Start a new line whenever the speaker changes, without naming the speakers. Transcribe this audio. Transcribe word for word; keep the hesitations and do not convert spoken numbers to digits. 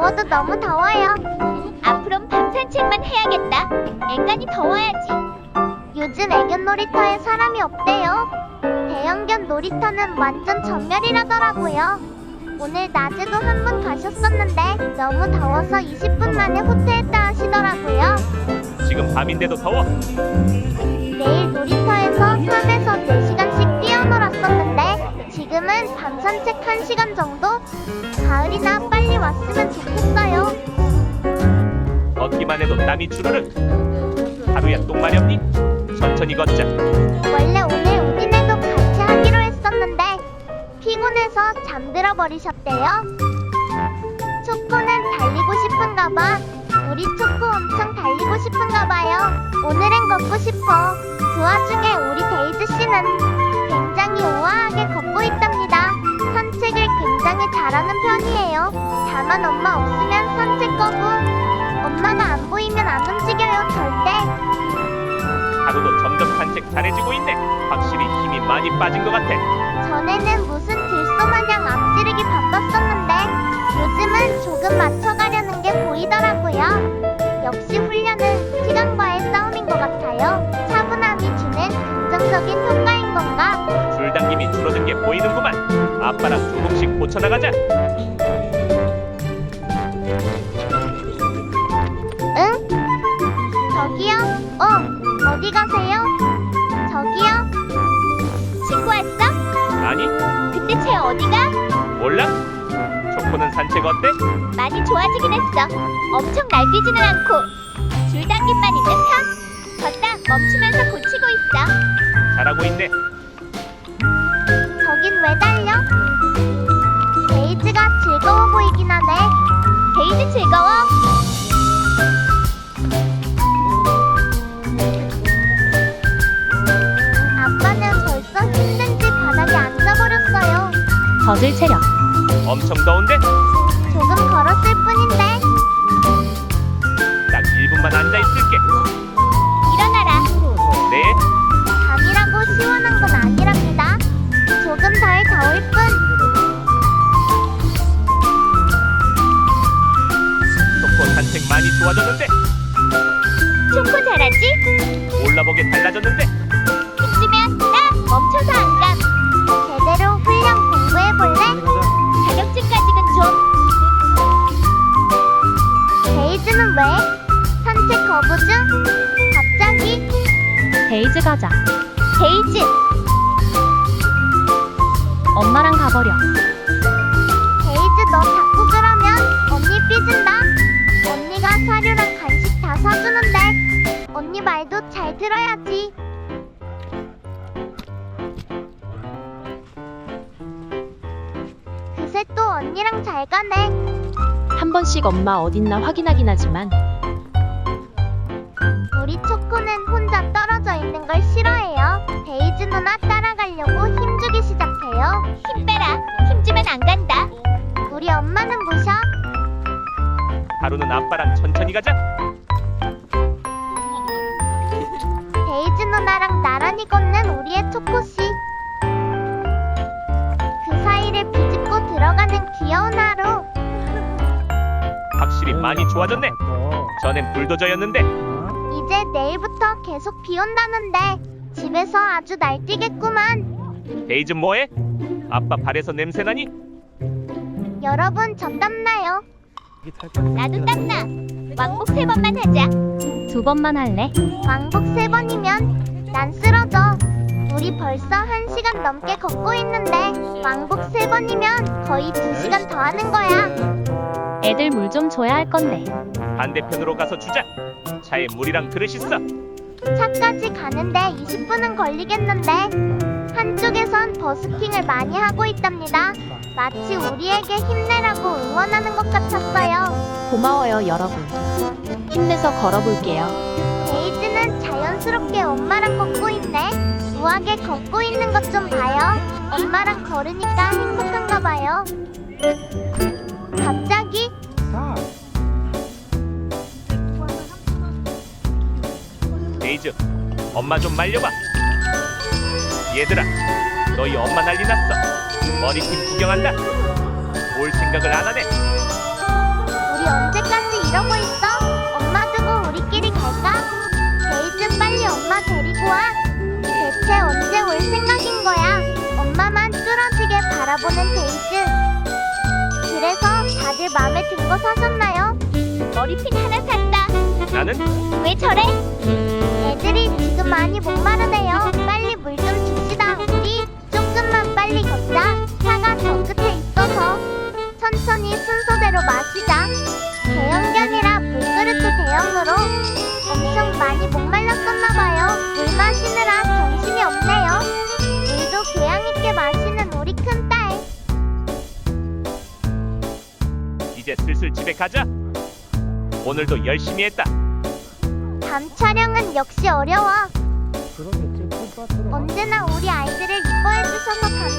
더워도 너무 더워요. 앞으론 밤 산책만 해야겠다. 앵간히 더워야지. 요즘 애견 놀이터에 사람이 없대요. 대형견 놀이터는 완전 전멸이라더라고요. 오늘 낮에도 한 분 가셨었는데 너무 더워서 이십 분 만에 후퇴했다 하시더라고요.
지금 밤인데도 더워.
내일 놀이터에서 삼에서 네 시간씩 뛰어놀았었는데 지금은 밤 산책 한 시간 정도? 가을이나 빨리 왔으면 좋겠어요.
걷기만 해도 땀이 주르륵. 하루야 똥 마렵니? 천천히 걷자.
원래 오늘 우진이도 같이 하기로 했었는데 피곤해서 잠들어 버리셨대요. 초코는 달리고 싶은가 봐. 우리 초코 엄청 달리고 싶은가 봐요. 오늘은 걷고 싶어. 그 와중에 우리 데이즈 씨는 굉장히 우아하게 걷고 있답니다. 산책을 굉장히 잘하는 편이에요. 다만 엄마 없으면 산책 거부. 엄마가 안 보이면 안 움직여요, 절대.
하루도 점점 산책 잘해지고 있네. 확실히 힘이 많이 빠진 것 같아.
전에는 무슨 들소마냥 앞지르기 바빴었는데 요즘은 조금 맞춰가려는 게 보이더라고요. 역시 훈련은 시간과의 싸움인 것 같아요. 차분함이 주는 긍정적인 효과인 건가?
줄당김이 줄어든 게 보이는구만. 아빠랑 조금씩 고쳐나가자.
응? 저기요? 어, 어디 가세요? 저기요? 친구 왔어?
아니,
근데 쟤 어디가?
몰라? 초코는 산책 어때?
많이 좋아지긴 했어. 엄청 날뛰지는 않고 줄당김만 있는 편? 걷다 멈추면서 고치고 있어.
잘하고 있네.
저긴 왜 달려? 데이즈가 즐거워 보이긴 하네. 데이즈 즐거워? 아빠는 벌써 힘든지 바닥에 앉아버렸어요.
젖을 체력.
엄청 더운데?
조금 걸었을 뿐인데.
딱 일 분만 앉아있을게.
일어나라.
네?
밤이라고 시원한 건 아니랍니다. 조금 덜 더울 뿐.
초코 산책 많이 좋아졌는데?
초코 잘하지?
올라보게 달라졌는데?
이쯤이면 나 멈춰서 안 감. 제대로 훈련 공부해볼래? 자격증까지는 좀. 데이즈는 왜? 산책 거부 중? 갑자기?
데이즈 가자.
데이즈!
엄마랑 가버려.
데이즈 너 자꾸 그러면 언니 삐진다. 언니가 사료랑 간식 다 사주는데 언니 말도 잘 들어야지. 그새 또 언니랑 잘 가네.
한 번씩 엄마 어딨나 확인하긴 하지만
우리 초코는 혼자 떨어져 있는 걸 싫어해요. 데이즈 누나 따라가려고 힘주기 시작해요. 힘 빼라. 힘주면 안 간다. 우리 엄마는 무셔.
하루는 아빠랑 천천히 가자.
데이즈 누나랑 나란히 걷는 우리의 초코씨. 그 사이를 비집고 들어가는 귀여운 하루.
확실히 많이 좋아졌네. 전엔 불도저였는데.
이제 내일부터 계속 비 온다는데 집에서 아주 날뛰겠구만.
데이즈 뭐해? 아빠 발에서 냄새나니?
여러분 저 땀나요. 나도 땀나. 왕복 세 번만 하자.
두 번만 할래?
왕복 세 번이면 난 쓰러져. 우리 벌써 한 시간 넘게 걷고 있는데 왕복 세 번이면 거의 두 시간 더 하는 거야.
애들 물 좀 줘야 할 건데.
반대편으로 가서 주자. 차에 물이랑 그릇 있어.
차까지 가는데 이십 분은 걸리겠는데 한쪽에선 버스킹을 많이 하고 있답니다. 마치 우리에게 힘내라고 응원하는 것 같았어요.
고마워요 여러분. 힘내서 걸어볼게요.
데이즈는 자연스럽게 엄마랑 걷고 있네. 우아하게 걷고 있는 것 좀 봐요. 엄마랑 걸으니까 행복한가 봐요. 갑자기
데이즈, 엄마 좀 말려봐. 얘들아, 너희 엄마 난리 났어. 머리핀 구경한다. 올 생각을 안 하네.
우리 이러고 있어? 엄마 두고 우리끼리 갈까? 데이즈 빨리 엄마 데리고 와. 대체 언제 올 생각인 거야? 엄마만 뚫어지게 바라보는 데이즈. 그래서 다들 마음에 든 거 사셨나요? 머리핀 하나 샀다.
나는
왜 저래? 애들이 지금 많이 목마르네요. 빨리 물 좀 줍시다. 우리 조금만 빨리 걷자. 차가 저 끝에 있어서 천천히 순서대로 마시자. 대형견이라 물그릇도 대형으로 엄청 많이 목말랐었나봐요. 물 마시느라 정신이 없네요. 물도 교양 있게 마시는 우리 큰딸.
이제 슬슬 집에 가자. 오늘도 열심히 했다.
밤 촬영은 역시 어려워. 언제나 우리 아이들을 이뻐해 주셔서 감사합니다.